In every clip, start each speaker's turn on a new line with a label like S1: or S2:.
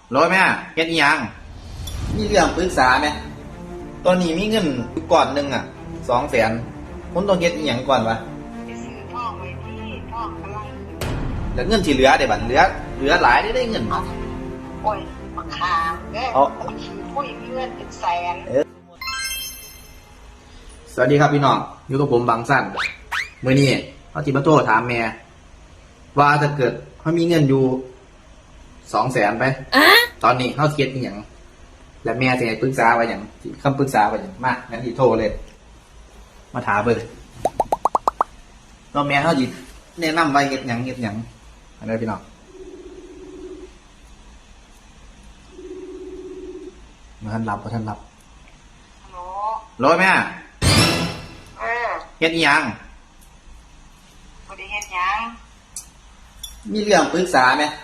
S1: ร้อยแม่เฮ็ดอีหยังมีเรื่องปรึกษาไหมตอนนี้มีเงินอยู่ก่อนหนึ่ง200,000ผมต้องเฮ็ดอีหยังก่อนวะ
S2: ไปซื้อทองไว้ที่ทองกำลังขึ้น
S1: แล้วเงินที่เหลือเดี๋ยวบัดเหลือหลายได้เงินมา
S2: โอ้ยมะขามเด้อขี่ผู้หญิงมีเงินเป็นแสน
S1: สวัสดีครับพี่น้องอยู่กับผมบางสั้นมื้อนี้เขาจิมาโทรถามแม่ว่าถ้าเกิดเขามีเงินอยู่200,000ไปตอนนี้เขาเฮ็ดอีหยังและแม่สิให้ปรึกษาว่าหยังคำปรึกษาว่าหยังมางั้นสิโทรเลยมาถามเบิ่งแล้วแม่เขาสิแนะนำว่าเฮ็ดหยังอันนี้พี่น้องบ่ทันรับ
S2: ฮัลโหล
S1: ร้อยแม่เฮ็ดอีหยัง
S2: บ่ได้เฮ็ดหยัง
S1: มีเรื่องปรึกษาไหม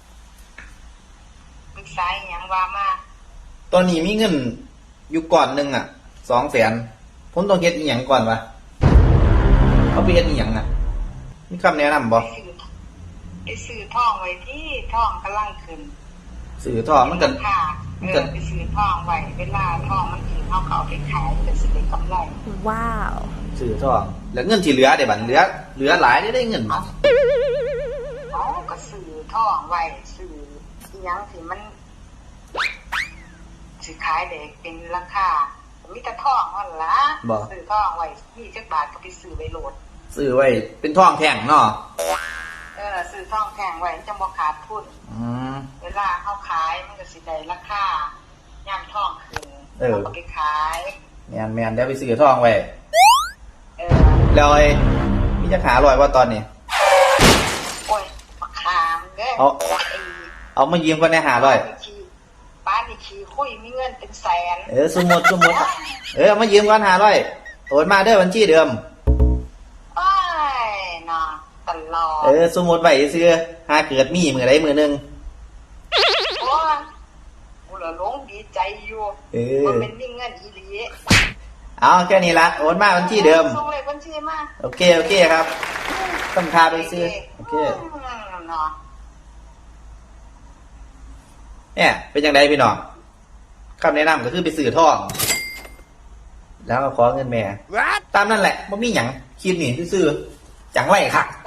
S2: ปรึกษาอีหยังว่ามา
S1: ตอนนี้มีเงินอยู่ก่อนหนึ่ง200,000ผมต้องเฮ็ดอีหยังก่อนวะเขาไปเฮ็ดอีหยังมีคำแนะนำบ่
S2: ไปซื้อทองไว้ที่ทองกำลังขึ้น
S1: ซื้อทองมันก็
S2: ไปซื้อทองไว้เวลาทองมันขึ้นเฮาก็เอาไปขายก็สิได้กำไร
S3: ว้าว
S1: ซื้อทองแล้วเงินที่เหลือเดี๋ยวบัดเหลือหลายได้เงินมา
S2: ก็ซื้อทองไว้ซื้ออีหยังที่มันสิขายได้เป็นราคามีแต่ทองนั่นล่ะซื้อทองไว้20 บาทก็ไปซื้อไว้โหลด
S1: ซื้อไว้เป็นทองแท่งเนาะ
S2: ซื้อทองแท่งไว้จังบ่ขาดทุนเวลาเฮาขายมันก็สิได้ราคายามทองขึ้นเราก็ไปขาย
S1: แม่นแล้วไปซื้อทองไว้แล้วไอ้มีจะหาลอยว่าตอนนี้
S2: โอ้ยบักขามเด้
S1: อเอามายืมก่อนได้500
S2: ป้านี่ขี้คุยมีเงินเป็นแสน
S1: สมมุติเอามายืมก่อน500โอนมาเด้อบัญชีเดิม
S2: โอ้ยน่ะตลอด
S1: สมมุติไว้ซื่อหาเกิดมีมื้อใดมื้อนึง
S2: โอ้ยกูละหลงดีใจอยู่มันเป็นมีเงินอีหลี
S1: เอาแค่นี้ละโอนมาบัญชีเดิม
S2: ส่งเลขบัญชีมา
S1: โอเคครับต้องพาไปซื้อโอเค
S2: เนาะ
S1: เนี่ยเป็นจังไดพี่น้องคำแนะนำก็คือไปซื้อทองแล้วก็ขอเงินแม่ตามนั่นแหละบ่มีหยังคิดนี่ซื้อจังไรค่ะ